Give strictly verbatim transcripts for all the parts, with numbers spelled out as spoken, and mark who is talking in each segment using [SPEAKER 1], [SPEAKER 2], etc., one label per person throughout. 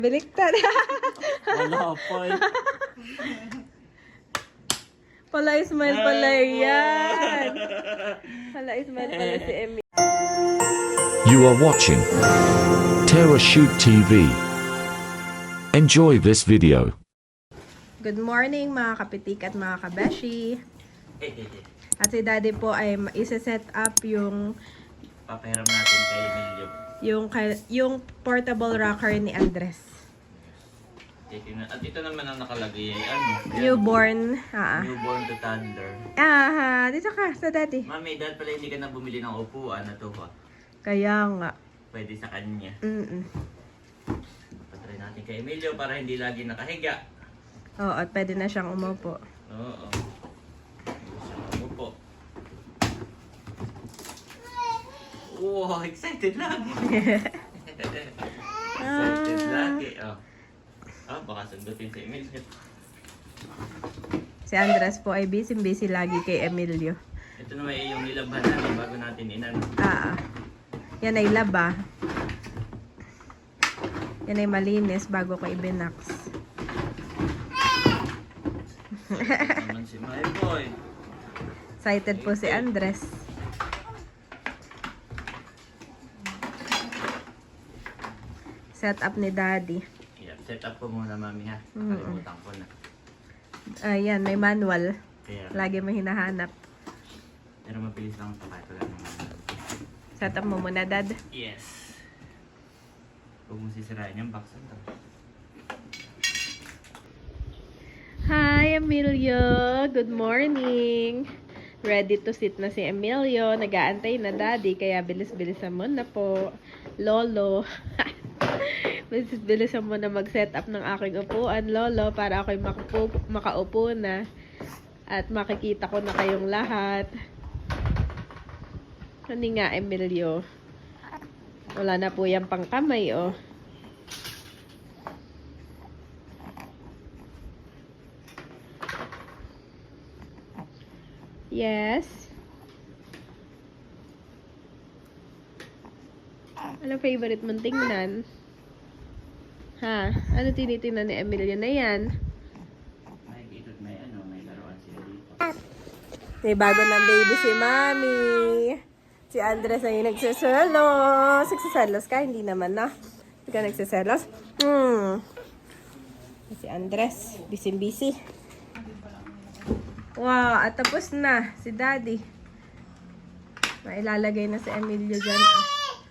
[SPEAKER 1] Baliktad.
[SPEAKER 2] Wala pa eh.
[SPEAKER 1] Pala Ismael pala yan. Pala Ismael pala si Emil.
[SPEAKER 3] You are watching Terra Shoot T V. Enjoy this video.
[SPEAKER 1] Good morning mga kapitik at mga kabeshi. At si Daddy po ay isa-set up yung
[SPEAKER 2] Papahiram natin kay Emilio.
[SPEAKER 1] yung yung portable rocker ni Andres.
[SPEAKER 2] At ito naman ang nakalagay ay ano?
[SPEAKER 1] Newborn. Ah.
[SPEAKER 2] Newborn to toddler.
[SPEAKER 1] Ah, dito ka sa Daddy.
[SPEAKER 2] Mami, dahil pala hindi ka na bumili ng upuan na to ha.
[SPEAKER 1] Kaya nga.
[SPEAKER 2] Pwede sa kanya.
[SPEAKER 1] Mm.
[SPEAKER 2] Patry natin kay Emilio para hindi lagi nakahiga.
[SPEAKER 1] Oo, at pwede na siyang umupo.
[SPEAKER 2] Oo. Hindi siya umupo. Wow, excited lagi. Excited lagi. Oh. Ah, baka sundutin si Emilio.
[SPEAKER 1] Si Andres po ay busy-busy lagi kay Emilio.
[SPEAKER 2] Ito naman ay yung nilabhan natin bago natin inan.
[SPEAKER 1] Ah, yan ay laba. Yan ay malinis bago ko ibinax.
[SPEAKER 2] Naman si my boy.
[SPEAKER 1] Excited po si Andres. Set up ni Daddy.
[SPEAKER 2] Yeah, set up ko muna mami ha.
[SPEAKER 1] Mm.
[SPEAKER 2] Kalimutan ko na.
[SPEAKER 1] Ayan, may manual.
[SPEAKER 2] Kaya,
[SPEAKER 1] Lagi mo hinahanap.
[SPEAKER 2] pero mabilis lang ito kahit wala naman.
[SPEAKER 1] Set up mo muna, Dad.
[SPEAKER 2] Yes. Huwag mo sisirain yung box ito.
[SPEAKER 1] Hi, Emilio! Good morning! Ready to sit na si Emilio. Nag-aantay na Daddy, kaya bilis-bilisan mo na po. Lolo. Bilis-bilisan mo na mag-set up ng aking upuan, Lolo, para ako'y makaupo, makaupo na. At makikita ko na kayong lahat. Ano nga, Emilio? Wala na po yung pangkamay, oh. Yes. Ano favorite mong tingnan? Ha? Ano tinitingnan ni Emilio na yan?
[SPEAKER 2] May ikot may ano, may laruan sila dito.
[SPEAKER 1] May bago ng baby si Mami. Si Andres ay nagsiselos. Nagsiselos ka? Hindi naman na. Hindi ka nagsiselos? Hmm. Si Andres. Busy-busy. Wow. At tapos na. Si Daddy. Mailalagay na si Emilio dyan. Ah.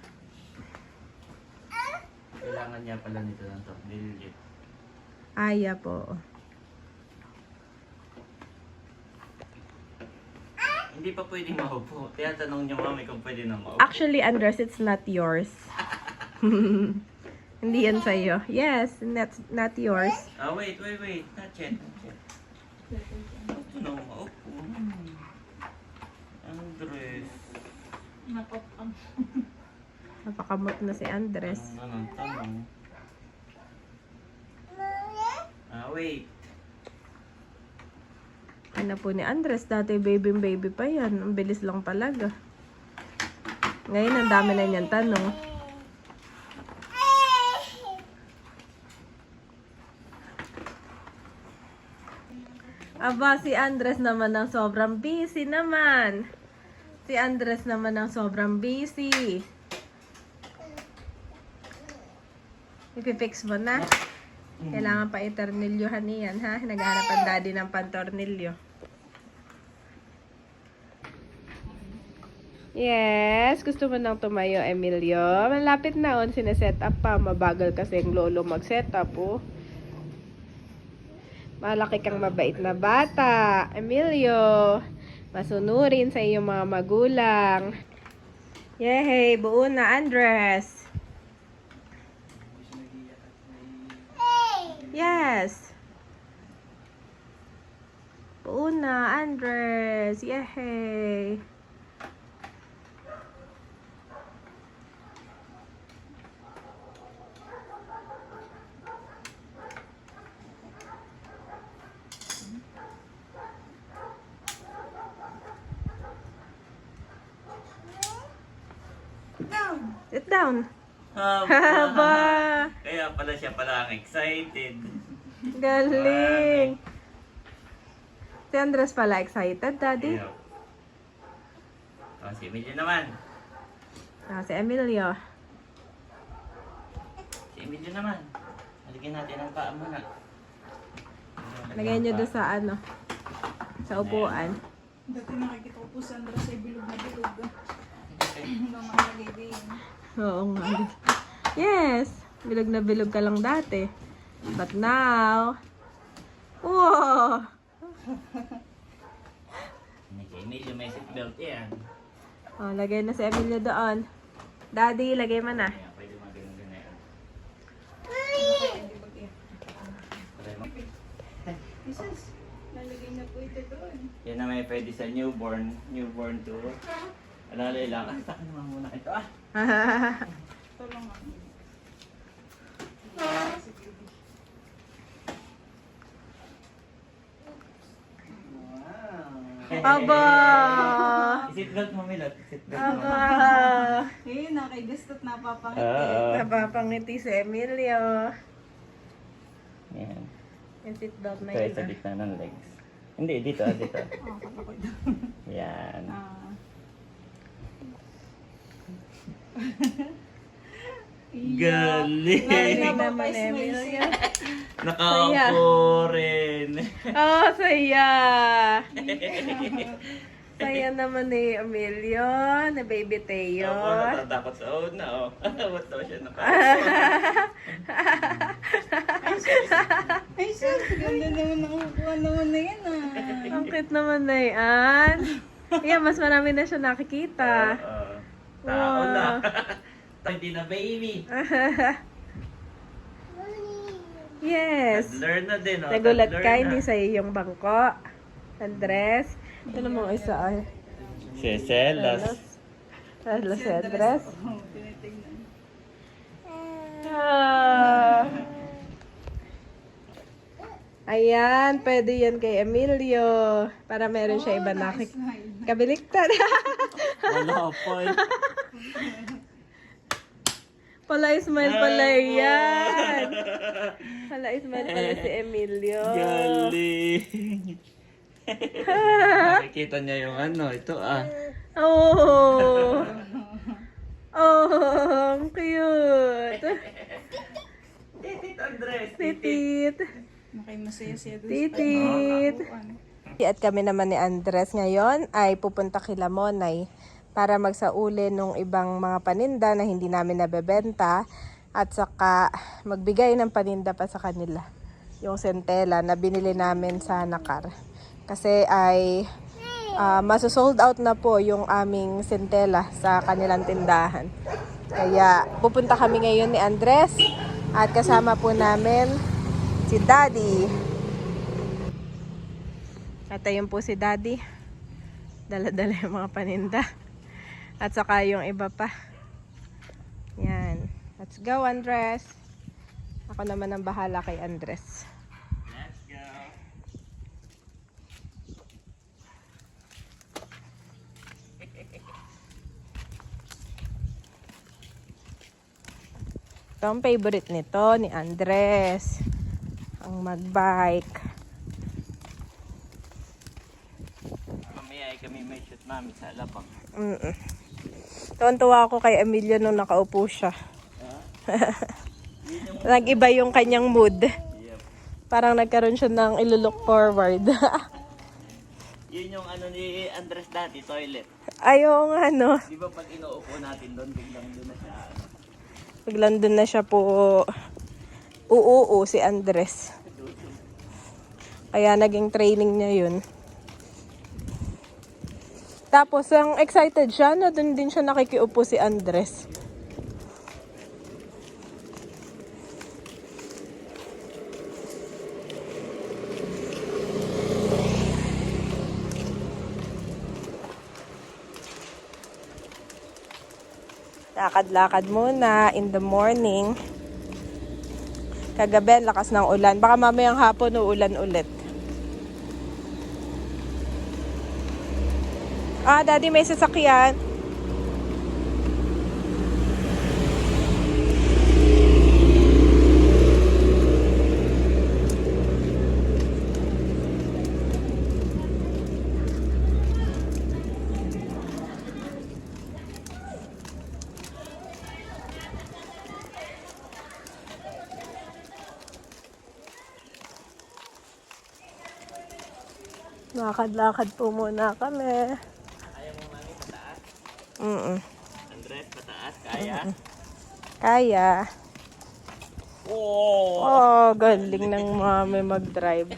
[SPEAKER 2] Kailangan niya pala nito lang to. Niligit.
[SPEAKER 1] Aya po.
[SPEAKER 2] Hindi pa pwedeng maupo. Kaya tanong niyo mami kung pwede na maupo.
[SPEAKER 1] Actually, Andres, it's not yours. Hindi yan sa'yo. Yes, not, not yours.
[SPEAKER 2] Ah, wait, wait, wait. Not yet, not yet. Gusto na maupo. Hmm. Andres.
[SPEAKER 1] Napakamot na si Andres.
[SPEAKER 2] Anong tanong? Ah, wait.
[SPEAKER 1] Ano po ni Andres, dati baby baby pa yan. Ang bilis lang talaga. Ngayon, ang dami na niyang tanong. Aba, si Andres naman ang sobrang busy naman. Si Andres naman ang sobrang busy. Ipipix mo na. Kailangan pa itornilyohan niyan, ha? Naghahanap ang Daddy ng pantornilyo. Yes, gusto mo nang tumayo, Emilio. Malapit na on, sineset up pa. Mabagal kasi yung lolo mag-set up, oh. Malaki kang mabait na bata, Emilio. Masunurin sa iyong mga magulang. Yehey, buo na, Andres. Yes. Buo na, Andres. Yehey. Sit down.
[SPEAKER 2] Haba.
[SPEAKER 1] Haba.
[SPEAKER 2] Kaya kaya pala siya pala ang excited.
[SPEAKER 1] Galing. Si Andres pala excited, Daddy.
[SPEAKER 2] Ayun. Oh, si Emilio naman.
[SPEAKER 1] Ah, si Emilio.
[SPEAKER 2] Si Emilio naman. Halagyan natin ang paa muna.
[SPEAKER 1] Lagay nyo doon sa ano. Sa upuan.
[SPEAKER 4] Dati nakikita ko po si Andres ay bilog na bilog. Nung mga baby.
[SPEAKER 1] Oo nga. Yes. Bilog na bilog ka lang dati. But now... Wow!
[SPEAKER 2] Hindi kay Emilio may seatbelt yan.
[SPEAKER 1] Oh, lagay na si Emilio doon. Daddy, lagay mo na.
[SPEAKER 2] Kaya pwede magaling din na yan.
[SPEAKER 4] Jesus, lalagay na po ito doon.
[SPEAKER 2] Yan na may pwede sa newborn. Newborn to. Alalay lang. Ah, saka naman muna ito ah.
[SPEAKER 4] Ito lang ako.
[SPEAKER 2] Wow.
[SPEAKER 1] Aba!
[SPEAKER 2] Seatbelt mo, Milot. Seatbelt mo.
[SPEAKER 1] Aba!
[SPEAKER 4] Ayun, nakigusto't napapangiti.
[SPEAKER 2] Oo.
[SPEAKER 1] Napapangiti si Emilio.
[SPEAKER 2] Yan.
[SPEAKER 1] Yung seatbelt na
[SPEAKER 2] Ito ay
[SPEAKER 1] yun.
[SPEAKER 2] sa
[SPEAKER 1] ah.
[SPEAKER 2] gitna ng legs. Hindi, dito ah, dito.
[SPEAKER 4] Oh, kapag ito.
[SPEAKER 2] Yan.
[SPEAKER 4] Ah.
[SPEAKER 2] Galing!
[SPEAKER 1] Galing naman Emilio.
[SPEAKER 2] Nakaupo rin.
[SPEAKER 1] Oh, saya! Saya naman ni Emilio, ni Baby Teo.
[SPEAKER 2] Ako natatakot sa una oh. Ba't daw siya nakaupo?
[SPEAKER 4] Ay, sus, ganda naman nakukuha naman na yan ah.
[SPEAKER 1] Ang cute naman na yan. Yeah, mas marami na siya nakikita.
[SPEAKER 2] Oo. Tao
[SPEAKER 1] Wow.
[SPEAKER 2] na. Hindi na baby.
[SPEAKER 1] Yes.
[SPEAKER 2] Learn na din oh.
[SPEAKER 1] Nagulat
[SPEAKER 2] Toddler
[SPEAKER 1] ka,
[SPEAKER 2] na.
[SPEAKER 1] hindi sa'yo yung bangko. Andres. Ito namang isa ay.
[SPEAKER 2] Si Celos.
[SPEAKER 1] Hello, si Andres.
[SPEAKER 4] Oh, tinitignan.
[SPEAKER 1] Ah. Ayan, pwede yan kay Emilio. Para meron siya iba nakik...
[SPEAKER 4] Smile.
[SPEAKER 1] Kabiliktad.
[SPEAKER 2] Wala po.
[SPEAKER 1] Pala smile pala yan. Pala smile pala si Emilio.
[SPEAKER 2] Galing. Nakikita niya yung ano, ito ah.
[SPEAKER 1] Oh. Oh, ang cute.
[SPEAKER 2] Titit Andres.
[SPEAKER 1] Titit.
[SPEAKER 4] Makay masaya siya doon.
[SPEAKER 1] Titit. At kami naman ni Andres ngayon ay pupunta kila Monay para magsauli nung ibang mga paninda na hindi namin nabebenta at saka magbigay ng paninda pa sa kanila. Yung sentela na binili namin sa Nakar. Kasi ay uh, maso-sold out na po yung aming sentela sa kanilang tindahan. Kaya pupunta kami ngayon ni Andres at kasama po namin si Daddy. At ayun po si Daddy. Dala-dala yung mga paninda. At saka yung iba pa. Yan. Let's go, Andres. Ako naman ang bahala kay Andres.
[SPEAKER 2] Let's go.
[SPEAKER 1] Ito ang favorite nito ni Andres. Ang magbike.
[SPEAKER 2] Mamaya ay kami may shoot mami sa Alabang.
[SPEAKER 1] Mm-mm. Tuwan-tuwa ako kay Emilio nung nakaupo siya. Nag-iba yung kanyang mood.
[SPEAKER 2] Yep.
[SPEAKER 1] Parang nagkaroon siya ng ilo-look forward.
[SPEAKER 2] Yun yung ano ni Andres dati, toilet.
[SPEAKER 1] Ayaw nga, no.
[SPEAKER 2] Di ba pag inuupo natin doon, biglang doon na siya. Ano?
[SPEAKER 1] Biglang doon na siya po uuo si Andres. Kaya naging training niya yun. Tapos, ang excited siya na doon din siya nakikiupo si Andres. Lakad-lakad muna in the morning. Kagabi, lakas ng ulan. Baka mamayang hapon uulan ulit. Ah, Daddy, may sasakyan. Lakad-lakad po muna kami.
[SPEAKER 2] Ayaw mo mami pataas?
[SPEAKER 1] Mm
[SPEAKER 2] Andres, pataas, kaya?
[SPEAKER 1] Kaya.
[SPEAKER 2] Oh!
[SPEAKER 1] Oh, galing ng mami mag-drive.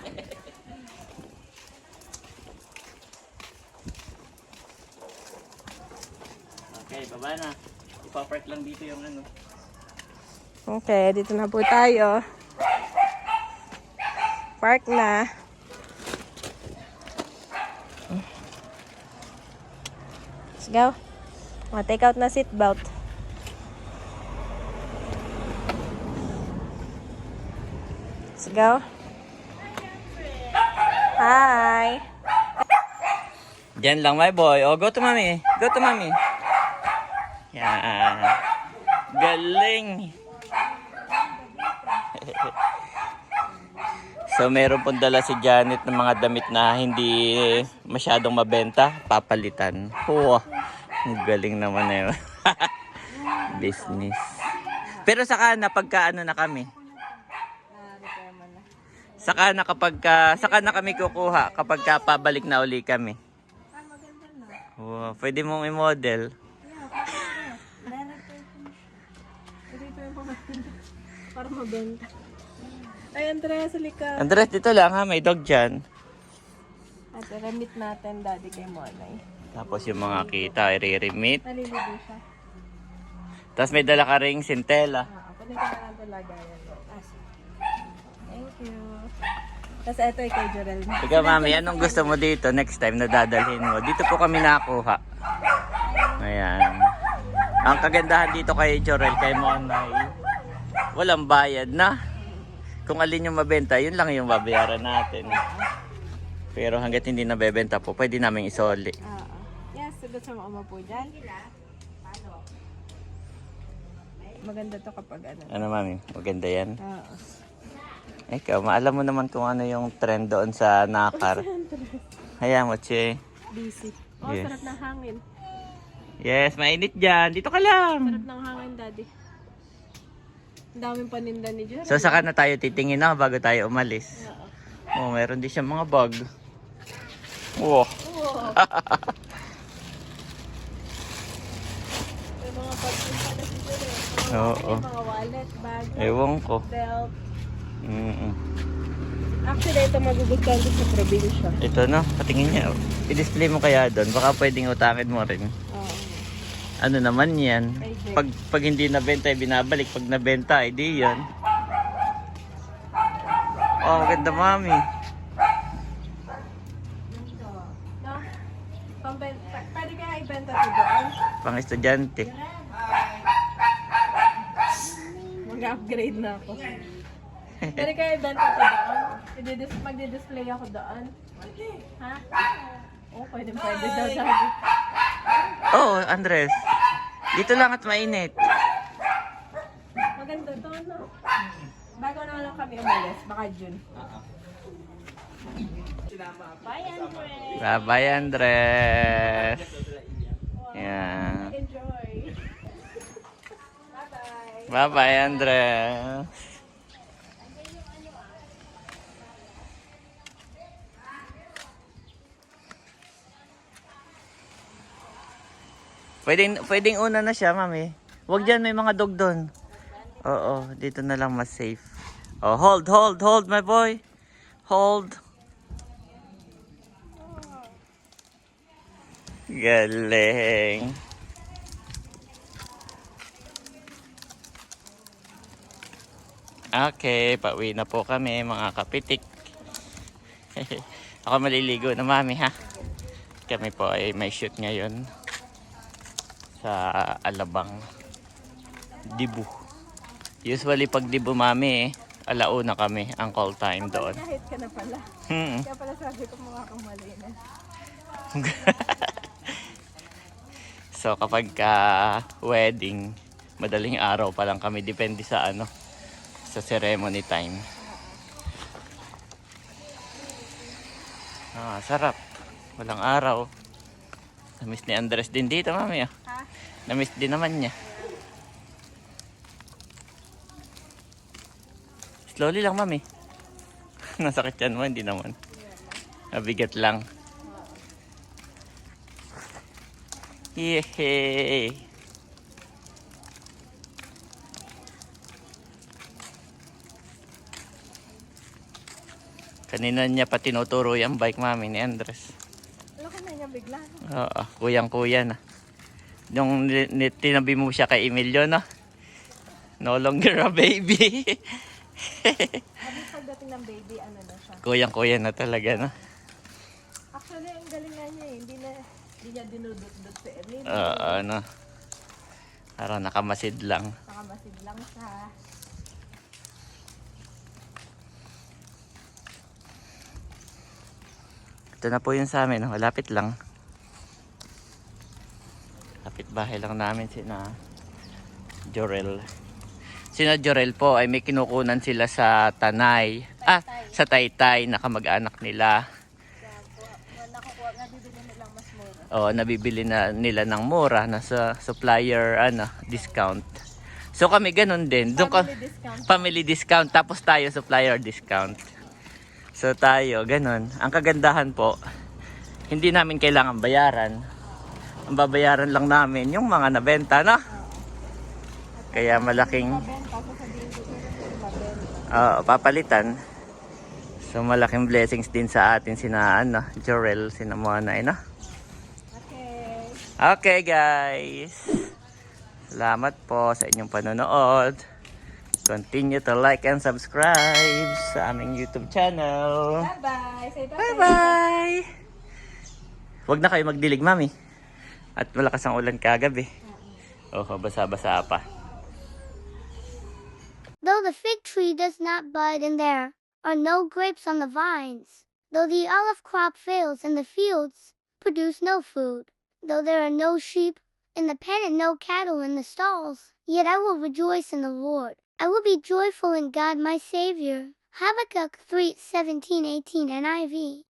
[SPEAKER 2] Okay, baba na. Ipa-park lang dito yung ano.
[SPEAKER 1] Okay, dito na po tayo. Park na. Let's go. Mga take out na seatbelt. Let's go. Hi.
[SPEAKER 2] Diyan lang, my boy. Oh, go to mami. Go to mami. Yan. Galing. So, meron pong dala si Janet ng mga damit na hindi masyadong mabenta. Papalitan. Wow. Ang galing naman na yun. Business. Pero saka na pagka ano na kami. Saka na kapag ka, saka na kami kukuha kapag ka pabalik na uli kami. Wow, pwede mong i-model.
[SPEAKER 1] Para mabenta. Ay, Andres, halika.
[SPEAKER 2] Andres, dito lang ha, may dog dyan.
[SPEAKER 1] At remit natin, daddy, kay Monay.
[SPEAKER 2] Tapos yung mga kita, i-remit.
[SPEAKER 1] Naliligo siya.
[SPEAKER 2] Tapos may dala ka ring sintela.
[SPEAKER 1] Ah, pwede ka na lang ito lagayan. Ah, sige. Thank you. Tapos ito ay kay Jorel.
[SPEAKER 2] Ikaw mami, anong gusto mo dito next time na dadalhin mo? Dito po kami nakuha. Ayan. Ang kagandahan dito kay Jorel, kay Monay, walang bayad na. Kung alin yung mabenta, yun lang yung babayaran natin. Pero hanggat hindi nabebenta po, pwede namin isoli.
[SPEAKER 1] Oo. Yes, sagot sa mga po dyan. Maganda to kapag ano.
[SPEAKER 2] Ano mami, maganda yan.
[SPEAKER 1] Oo.
[SPEAKER 2] Ikaw, maalam mo naman kung ano yung trend doon sa Nakar. Hayaan mo, che.
[SPEAKER 1] Busy. Oh,
[SPEAKER 2] Yes.
[SPEAKER 1] sarap ng hangin.
[SPEAKER 2] Yes, mainit dyan. Dito ka lang.
[SPEAKER 1] Sarap ng hangin, daddy. Ang daming paninda ni Jorel.
[SPEAKER 2] So, saka na tayo titingin na bago tayo umalis.
[SPEAKER 1] Oo.
[SPEAKER 2] Oh, meron din siyang mga bag. Wow.
[SPEAKER 1] Oo. May mga pagpunta na si Jorel. Mga,
[SPEAKER 2] Oo.
[SPEAKER 1] ano, mga wallet, bag,
[SPEAKER 2] Ewan ko.
[SPEAKER 1] belt.
[SPEAKER 2] Mm-mm.
[SPEAKER 1] Actually, ito magugustuhan ko sa probinsya.
[SPEAKER 2] Ito no, patingin niya. I-display mo kaya doon. Baka pwedeng utangin mo rin.
[SPEAKER 1] Oo.
[SPEAKER 2] Ano naman yan?
[SPEAKER 1] Pwede.
[SPEAKER 2] Pag, pag hindi nabenta, ay binabalik. Pag nabenta, ay di yan. Oh, maganda mami.
[SPEAKER 1] No? Pamben p- pwede kaya ibenta ito doon?
[SPEAKER 2] Pang estudyante.
[SPEAKER 1] Mag-upgrade na ako. Pwede kaya ibenta ito doon? I-dis- magdi-display ako doon? Ha? Oo, oh, pwede pwede daw sabi.
[SPEAKER 2] Oh, Andres. Dito lang at mainit.
[SPEAKER 1] Maganda to, no? Bago na lang kami umalis, baka June. Bye, Andres!
[SPEAKER 2] Bye-bye, Andres. Yeah.
[SPEAKER 1] Enjoy! Bye-bye!
[SPEAKER 2] Bye-bye, Andres. Pwedeng, pwedeng una na siya, mami. Huwag dyan, may mga dog doon. Oo, dito na lang mas safe. Oh, hold, hold, hold, my boy. Hold. Galing. Okay, pauwi na po kami, mga kapitik. Ako maliligo na, mami, ha? Kami po ay may shoot ngayon sa Alabang, Dibu. Usually pag Dibu, mami, alauna kami ang call time doon.
[SPEAKER 1] Kahit ka na pala.
[SPEAKER 2] Hmm.
[SPEAKER 1] Kaya pala sabi ko mga kamalinis.
[SPEAKER 2] So kapag ka wedding, madaling araw pa lang kami, depende sa ano, sa ceremony time. Ah, sarap. Walang araw. Namiss ni Andres din dito, mami. Ah.
[SPEAKER 1] Ha?
[SPEAKER 2] Namiss din naman niya. Slowly lang, mami. Nasakit yan mo, hindi naman. Mabigat lang. Yehey! Kanina niya pa tinuturo yung bike mami ni Andres.
[SPEAKER 1] Laki na niya bigla.
[SPEAKER 2] Oo, kuyang-kuya na. Yung ni- ni- tinabi mo siya kay Emilio, no? No longer a baby.
[SPEAKER 1] Sabi pagdating ng baby, ano na siya.
[SPEAKER 2] Kuyang-kuya na talaga, no?
[SPEAKER 1] Actually, ang galing nga niya eh. Hindi na, hindi niya dinudot-dot si Emil.
[SPEAKER 2] Oo, ano. Parang nakamasid lang.
[SPEAKER 1] Nakamasid lang siya.
[SPEAKER 2] Ito na po yun sa amin, no? Malapit lang. Lapit bahay lang namin sina Jorel. Sina Jorel po ay may kinukunan sila sa Tanay. Ah, sa Taytay na kamag-anak nila.
[SPEAKER 1] Nakukuha, nabibili nilang mas mura.
[SPEAKER 2] O, nabibili na nila ng mura na sa supplier ano, discount. So kami ganun din. Doon ka,
[SPEAKER 1] Family discount.
[SPEAKER 2] family discount tapos tayo supplier discount. So tayo ganun. Ang kagandahan po, hindi namin kailangan bayaran. Ang babayaran lang namin yung mga nabenta, no? Kaya malaking
[SPEAKER 1] Mabenta, sasabihin ko sila mabenta.
[SPEAKER 2] uh, papalitan. So malaking blessings din sa atin sina ano, Jorel, sina Monay, no?
[SPEAKER 1] Okay.
[SPEAKER 2] Okay guys. Salamat po sa inyong panonood. Continue to like and subscribe sa aming YouTube channel.
[SPEAKER 1] Bye-bye. Say bye.
[SPEAKER 2] Bye-bye! Huwag na kayo magdilig, mami. At malakas ang ulan kagabi. Oh, basa-basa pa.
[SPEAKER 5] Though the fig tree does not bud and there are no grapes on the vines, though the olive crop fails and the fields produce no food, though there are no sheep in the pen and no cattle in the stalls, yet I will rejoice in the Lord. I will be joyful in God my Savior. Habakkuk three seventeen eighteen N I V